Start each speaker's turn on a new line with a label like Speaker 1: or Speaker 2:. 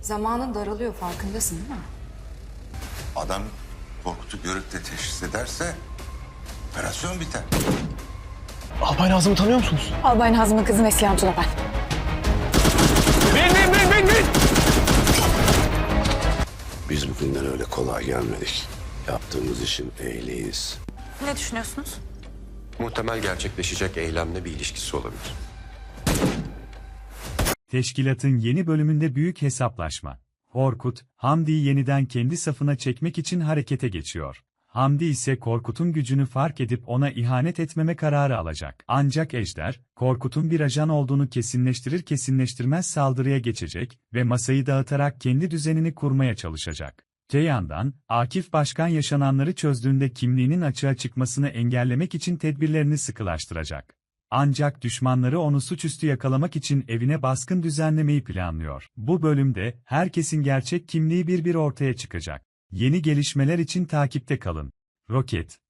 Speaker 1: Zamanın daralıyor, farkındasın değil mi?
Speaker 2: Adam Korkut'u görüp de teşhis ederse operasyon biter.
Speaker 3: Albay Nazım'ı tanıyor musunuz?
Speaker 1: Albay Nazım'ın kızı Neslihan Tuna ben.
Speaker 3: Bin!
Speaker 4: Biz bugünden öyle kolay gelmedik. Yaptığımız işin ehliyiz.
Speaker 5: Ne düşünüyorsunuz?
Speaker 6: Muhtemel gerçekleşecek eylemle bir ilişkisi olabilir.
Speaker 7: Teşkilatın yeni bölümünde büyük hesaplaşma. Korkut, Hamdi'yi yeniden kendi safına çekmek için harekete geçiyor. Hamdi ise Korkut'un gücünü fark edip ona ihanet etmeme kararı alacak. Ancak Ejder, Korkut'un bir ajan olduğunu kesinleştirmez saldırıya geçecek ve masayı dağıtarak kendi düzenini kurmaya çalışacak. Öte yandan, Akif Başkan yaşananları çözdüğünde kimliğinin açığa çıkmasını engellemek için tedbirlerini sıkılaştıracak. Ancak düşmanları onu suçüstü yakalamak için evine baskın düzenlemeyi planlıyor. Bu bölümde herkesin gerçek kimliği bir ortaya çıkacak. Yeni gelişmeler için takipte kalın. Roket